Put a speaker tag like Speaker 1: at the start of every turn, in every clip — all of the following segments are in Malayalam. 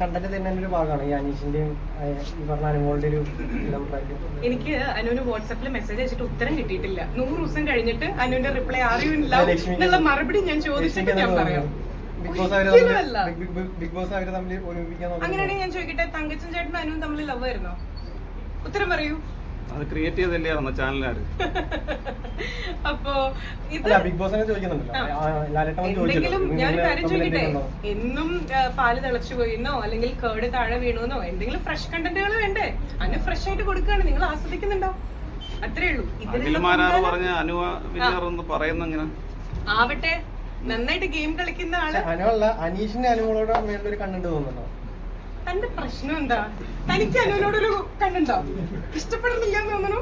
Speaker 1: കണ്ടന്റ് തന്നെ ഒരു ഭാഗമാണ് ഈ അനീഷിന്റെയും ഈ പറഞ്ഞ അനുമോളുടെ ഒരു
Speaker 2: എനിക്ക് അനുവിന് വാട്സാപ്പിൽ മെസ്സേജ് അയച്ചിട്ട് ഉത്തരം കിട്ടിയിട്ടില്ല. 100 ദിവസം കഴിഞ്ഞിട്ട് അനുവിന്റെ റിപ്ലൈ അറിയില്ല എന്നുള്ള മറുപടി ഞാൻ ചോദിച്ചിട്ട് ഞാൻ പറയാം. അങ്ങനെയാണെങ്കിൽ ഞാൻ ചോദിക്കട്ടെ, തങ്കച്ചൻ ചേട്ടനും അനുവും തമ്മിൽ ലവ് ആയിരുന്നോ? ഉത്തരം പറയൂ.
Speaker 3: അത് ക്രിയേറ്റ് ചെയ്തല്ലായിരുന്നോ ചാനലുകാർ?
Speaker 2: അപ്പോ എന്തെങ്കിലും ഞാൻ കാര്യം ചോദിക്കട്ടെ, എന്നും പാല് തിളച്ചു പോയിന്നോ അല്ലെങ്കിൽ കേട് താഴെ വീണുന്നോ എന്തെങ്കിലും ഫ്രഷ് കണ്ടന്റുകൾ വേണ്ടേ? അനു ഫ്രഷ് ആയിട്ട് കൊടുക്കുകയാണ്, നിങ്ങൾ ആസ്വദിക്കുന്നുണ്ടോ? അത്രേ ഉള്ളൂ. ആവട്ടെ, നന്നായിട്ട് ഗെയിം കളിക്കുന്ന ആള്
Speaker 1: അനീഷിന്റെ അനുമോളോട് മേലൊരു കണ്ടന്റ് തോന്നുന്നുണ്ടോ?
Speaker 2: തന്റെ പ്രശ്നം എന്താ? തനിക്ക് അനുവിനോടൊരു കണ്ണുണ്ടോ? ഇഷ്ടപ്പെടുന്നില്ല എന്ന് തോന്നുന്നു.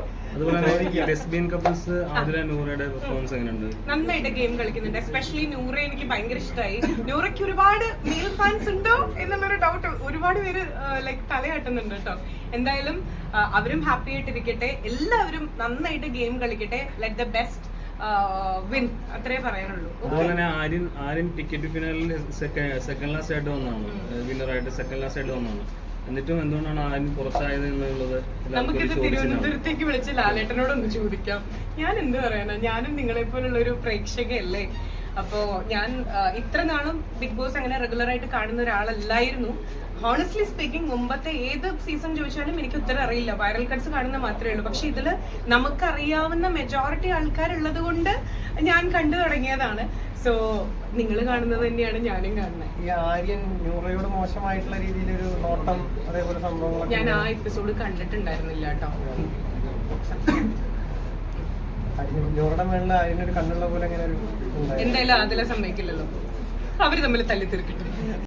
Speaker 2: നന്നായിട്ട് ഗെയിം കളിക്കുന്നുണ്ട്. എസ്പെഷ്യലി നൂറ എനിക്ക് ഭയങ്കര ഇഷ്ടമായി. നൂറയ്ക്ക് ഒരുപാട് മെയിൽ ഫാൻസ് ഉണ്ടോ എന്നുള്ളൊരു ഡൗട്ട് ഒരുപാട് പേര് ലൈക്ക് തലയാട്ടുന്നുണ്ട് കേട്ടോ. എന്തായാലും അവരും ഹാപ്പി ആയിട്ടിരിക്കട്ടെ, എല്ലാവരും നന്നായിട്ട് ഗെയിം കളിക്കട്ടെ. ലെറ്റ് ദ ബെസ്റ്റ് വിൻ, അത്രേ പറയാനുള്ളൂ.
Speaker 4: അതുപോലെ തന്നെ ആര്യൻ ടിക്കറ്റ് ഫിനാലിൽ സെക്കൻഡ് ലാസ്റ്റ് ആയിട്ട് വന്നതാണ്, വിന്നറായിട്ട് സെക്കൻഡ് ലാസ്റ്റ് ആയിട്ട് വന്നതാണ്. എന്നിട്ടും എന്തുകൊണ്ടാണ് ആര്യൻ പുറത്തായത് എന്നുള്ളത്
Speaker 2: നമുക്കിത് തിരുവനന്തപുരത്തേക്ക് വിളിച്ച് ലാലേട്ടനോടൊന്ന് ചോദിക്കാം. ഞാൻ എന്ത് പറയാനാ, ഞാനും നിങ്ങളെ പോലുള്ള ഒരു പ്രേക്ഷകയല്ലേ. അപ്പോ ഞാൻ ഇത്ര നാളും ബിഗ് ബോസ് അങ്ങനെ റെഗുലർ ആയിട്ട് കാണുന്ന ഒരാളല്ലായിരുന്നു. ഹോണസ്റ്റ്ലി സ്പീക്കിംഗ്, മുമ്പത്തെ ഏത് സീസൺ ചോദിച്ചാലും എനിക്ക് ഉത്തരം അറിയില്ല. വൈറൽ കട്ട്സ് കാണുന്ന മാത്രമേ ഉള്ളൂ. പക്ഷെ ഇതില് നമുക്കറിയാവുന്ന മെജോറിറ്റി ആൾക്കാരുള്ളത് കൊണ്ട് ഞാൻ കണ്ടു തുടങ്ങിയതാണ്. സോ നിങ്ങൾ കാണുന്നത് തന്നെയാണ് ഞാനും കാണുന്നത്.
Speaker 1: ഈ ആര്യൻ നൂറയോട് മോശമായിട്ടുള്ള രീതിയിലൊരു നോട്ടം അതേപോലെ സംഭവങ്ങൾ
Speaker 2: ഞാൻ ആ എപ്പിസോഡ് കണ്ടിട്ടുണ്ടായിരുന്നില്ല കേട്ടോ.
Speaker 1: നൂറുടെ മേളിൽ ആര്യനൊരു കണ്ണുള്ള പോലെ അങ്ങനെ ഒരു
Speaker 2: എന്തായാലും അതിലെ സമ്മതിക്കില്ലല്ലോ, അവര് തമ്മിൽ തല്ലി തീർക്കിട്ട്.